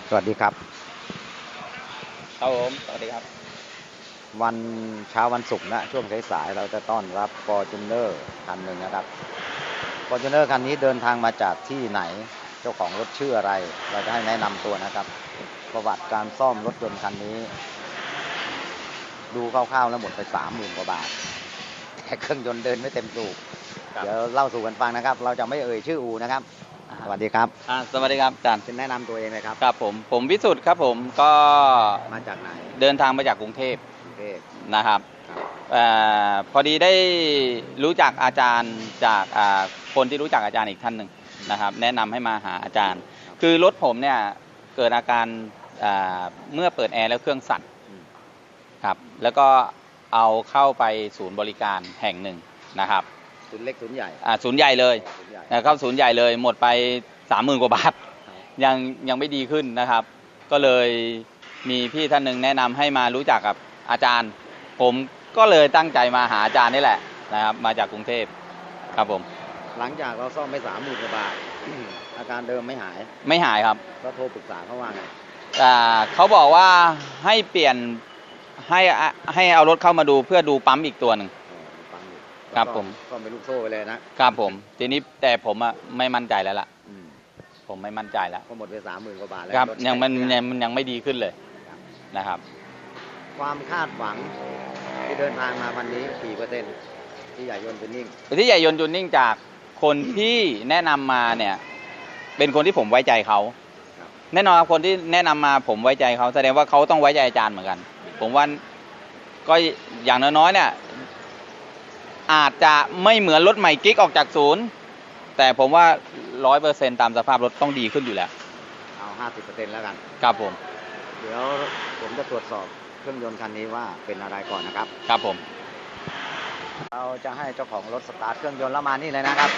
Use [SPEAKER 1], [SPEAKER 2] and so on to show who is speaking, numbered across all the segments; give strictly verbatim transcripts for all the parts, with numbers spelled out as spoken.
[SPEAKER 1] สวัสดีครับ
[SPEAKER 2] ครับผมสวัสดีครับ
[SPEAKER 1] วันเช้าวันศุกร์นะช่วงสายๆเราจะต้อนรับ Fortuner คันหนึ่งนะครับ Fortuner คันนี้เดินทางมาจากที่ไหนเจ้าของรถชื่ออะไรเราจะให้แนะนำตัวนะครับประวัติการซ่อมรถยนต์คันนี้ดูคร่าวๆแล้วหมดไปสามหมื่นกว่าบาทแต่เครื่องยนต์เดินไม่เต็มสูบเดี๋ยวเล่าสู่กันฟังนะครับเราจะไม่เอ่ยชื่ออูนะครับสวัสดีครับ
[SPEAKER 2] อ่าสวัสดีครับอาจารย์
[SPEAKER 1] เป็นแนะนำตัวเองเลยครับ
[SPEAKER 2] ครับผมผมวิสุทธ์ครับผมก็
[SPEAKER 1] มาจากไหน
[SPEAKER 2] เดินทางมาจากกรุงเทพ
[SPEAKER 1] กรุงเทพ
[SPEAKER 2] นะครับอพอดีได้รู้จักอาจารย์จากคนที่รู้จักอาจารย์อีกท่านหนึ่งนะครับแนะนำให้มาหาอาจารย์ คือรถผมเนี่ยเกิดอาการเมื่อเปิดแอร์แล้วเครื่องสั่นครับแล้วก็เอาเข้าไปศูนย์บริการแห่งหนึ่งนะครับ
[SPEAKER 1] ศูนย์เล็กศูนย์ใหญ่
[SPEAKER 2] อ่าศูนย์ใหญ่เลยเข้าศูนย์ใหญ่เลยหมดไปสามหมื่นกว่าบาทยังยังไม่ดีขึ้นนะครับก็เลยมีพี่ท่านหนึ่งแนะนำให้มารู้จักกับอาจารย์ผมก็เลยตั้งใจมาหาอาจารย์นี่แหละนะครับมาจากกรุงเทพครับผม
[SPEAKER 1] หลังจากเราซ่อมไปสามหมื่นกว่าบาทอาการเดิมไม่หาย
[SPEAKER 2] ไม่หายครับ
[SPEAKER 1] ก็โทรปรึกษาเขาว่าไง
[SPEAKER 2] อ่าเขาบอกว่าให้เปลี่ยนให้ให้เอารถเข้ามาดูเพื่อดูปั๊มอีกตัวหนึ่งครับผม
[SPEAKER 1] ก็เป็นลูกโซ่ไปเลย
[SPEAKER 2] นะครับผมทีนี้แต่ผมอะไม่มั่นใจแล้วล่ะผมไม่มั่นใจแล้ว
[SPEAKER 1] ก็หมดไปสามหมื่นกว่าบาทแล้ว
[SPEAKER 2] ครับยังมันยังมันยังไม่ดีขึ้นเลยนะครับ
[SPEAKER 1] ความคาดหวังที่เดินทางมาวันนี้กี่เปอร์เซ็นต์ที่ใหญ่ยนต์จูนนิ่ง
[SPEAKER 2] ที่ใหญ่ยนต์จูนนิ่งจากคนที่แนะนำมาเนี่ยเป็นคนที่ผมไว้ใจเขาแน่นอนครับคนที่แนะนำมาผมไว้ใจเขาแสดงว่าเขาต้องไว้ใจอาจารย์เหมือนกันผมว่าก็อย่างน้อยๆเนี่ยอาจจะไม่เหมือนรถใหม่กิ๊กออกจากศูนย์แต่ผมว่าร้อยเปอร์เซ็นต์ตามสภาพรถต้องดีขึ้นอยู่แล้ว
[SPEAKER 1] เอาห้าสิบเปอร์เซ็นต์แล้วกัน
[SPEAKER 2] ครับผม
[SPEAKER 1] เดี๋ยวผมจะตรวจสอบเครื่องยนต์คันนี้ว่าเป็นอะไรก่อนนะครับ
[SPEAKER 2] ครับผม
[SPEAKER 1] เราจะให้เจ้าของรถสตาร์ทเครื่องยนต์แล้วมานี่เลยนะครับ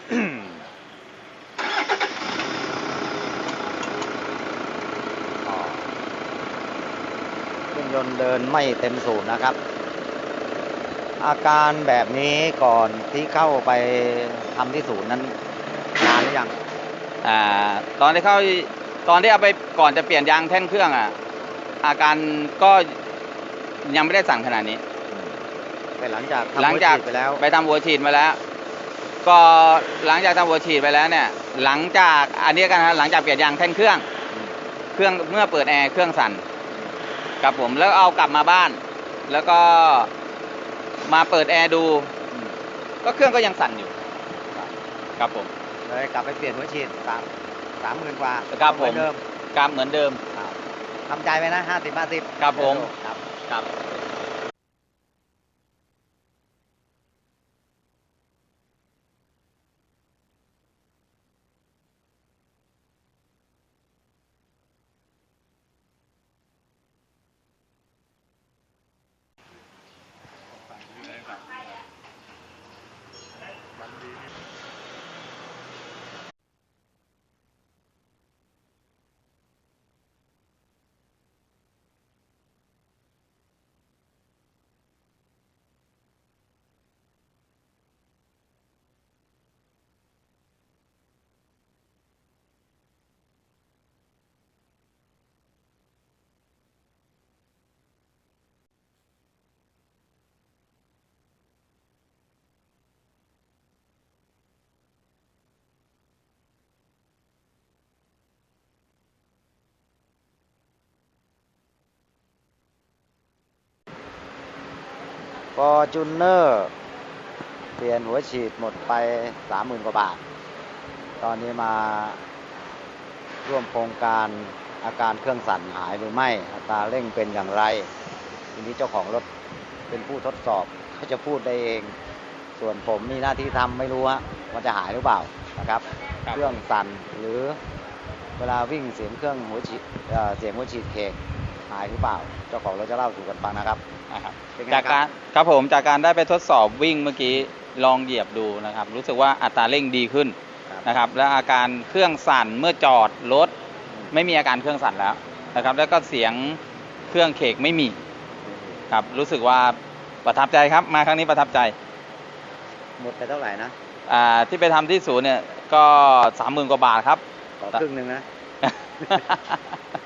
[SPEAKER 1] เครื่องยนต์เดินไม่เต็มสูบนะครับอาการแบบนี้ก่อนที่เข้าไปทำที่ศูนย์นั้นนานหรือยัง
[SPEAKER 2] อ่าตอนที่เข้าตอนที่เอาไปก่อนจะเปลี่ยนยางแท่นเครื่องอ่ะอาการก็ยังไม่ได้สั่งขนาดนี้
[SPEAKER 1] แต่หลังจาก
[SPEAKER 2] หลังจากไปแล้วไปทำหัวฉีดมาแล้วก็หลังจากทำหัวฉีดไปแล้วเนี่ยหลังจากอันนี้กันนะหลังจากเปลี่ยนยางแท่นเครื่องเครื่องเมื่อเปิดแอร์เครื่องสั่นกับผมแล้วเอากลับมาบ้านแล้วก็มาเปิดแอร์ดูก็เครื่องก็ยังสั่นอยู่ครับผม
[SPEAKER 1] เลยกลับไปเปลี่ยนหัวฉีดสามสามหมื่นกว่า
[SPEAKER 2] ครับผมเดิมกลับเหมือนเดิม
[SPEAKER 1] ทำใจไปนะห้าสิบห้าสิบ
[SPEAKER 2] ครับผมครับครับ
[SPEAKER 1] ฟอร์จูเนอร์เปลี่ยนหัวฉีดหมดไปสามหมื่นกว่าบาทตอนนี้มาร่วมโครงการอาการเครื่องสั่นหายหรือไม่อัตราเร่งเป็นอย่างไรทีนี้เจ้าของรถเป็นผู้ทดสอบเขาจะพูดได้เองส่วนผมมีหน้าที่ทำไม่รู้ว่าจะหายหรือเปล่านะครับเครื่องสั่นหรือเวลาวิ่งเสียงเครื่องหัวฉีดเสียงหัวฉีดเคกหายหรือเปล่าเจ้าของเราจะเล่าสู่กันฟังนะครับ
[SPEAKER 2] จากการครับผมจากการได้ไปทดสอบวิ่งเมื่อกี้ลองเหยียบดูนะครับรู้สึกว่าอัตราเร่งดีขึ้นนะครับและอาการเครื่องสั่นเมื่อจอดรถไม่มีอาการเครื่องสั่นแล้วนะครับแล้วก็เสียงเครื่องเคกไม่มีครับรู้สึกว่าประทับใจครับมาครั้งนี้ประทับใจ
[SPEAKER 1] หมดไปเท่าไหร่นะ
[SPEAKER 2] อ่าที่ไปทำที่ศูนย์เนี่ยก็สามหมื่นกว่าบาทครับ
[SPEAKER 1] ต่อครึ่งหนึ่งนะ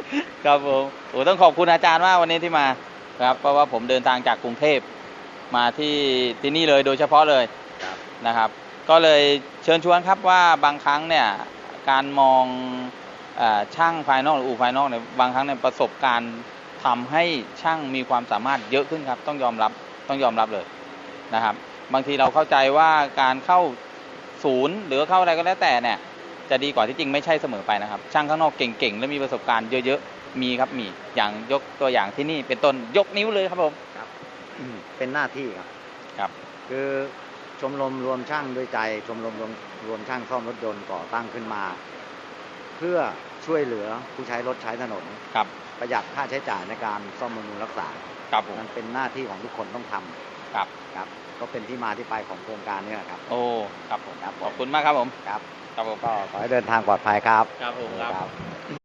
[SPEAKER 2] ครับผมโอ้ต้องขอบคุณอาจารย์มากวันนี้ที่มาครับเพราะว่าผมเดินทางจากกรุงเทพมาที่ที่นี่เลยโดยเฉพาะเลย
[SPEAKER 1] ครับ
[SPEAKER 2] นะครับ ก็เลยเชิญชวนครับว่าบางครั้งเนี่ยการมองเออช่างภายนอกหรืออู่ภายนอกเนี่ยบางครั้งเนี่ยประสบการณ์ทำให้ช่างมีความสามารถเยอะขึ้นครับต้องยอมรับต้องยอมรับเลยนะครับ บางทีเราเข้าใจว่าการเข้าศูนย์หรือเข้าอะไรก็แล้วแต่เนี่ยจะดีกว่าที่จริงไม่ใช่เสมอไปนะครับ ช่างข้างนอกเก่งๆและมีประสบการณ์เยอะๆมีครับมีอย่างยกตัวอย่างที่นี่เป็นต้นยกนิ้วเลยครับผม
[SPEAKER 1] ครับอืมเป็นหน้าที่ครับ
[SPEAKER 2] ครับ
[SPEAKER 1] คือชมรมรวมช่างด้วยใจ ชมรมรวมรวมช่างซ่อมรถยนต์ก่อตั้งขึ้นมา เพื่อช่วยเหลือผู้ใช้รถใช้ถนน
[SPEAKER 2] ครับ
[SPEAKER 1] ประหยัดค่าใช้จ่ายในการซ่อมบำรุงรักษา
[SPEAKER 2] ครับผม
[SPEAKER 1] มันเป็นหน้าที่ของทุกคนต้องทำ
[SPEAKER 2] ครับ
[SPEAKER 1] ครับ ก็เป็นที่มาที่ไปของโครงการนี้แหละครับ
[SPEAKER 2] โอ้ครับผม
[SPEAKER 1] ครับผม
[SPEAKER 2] ขอบคุณมากครับผม
[SPEAKER 1] ครับ
[SPEAKER 2] ครับผม
[SPEAKER 1] ก็ขอให้เดินทางปลอดภัยครับ
[SPEAKER 2] ครับผมครับ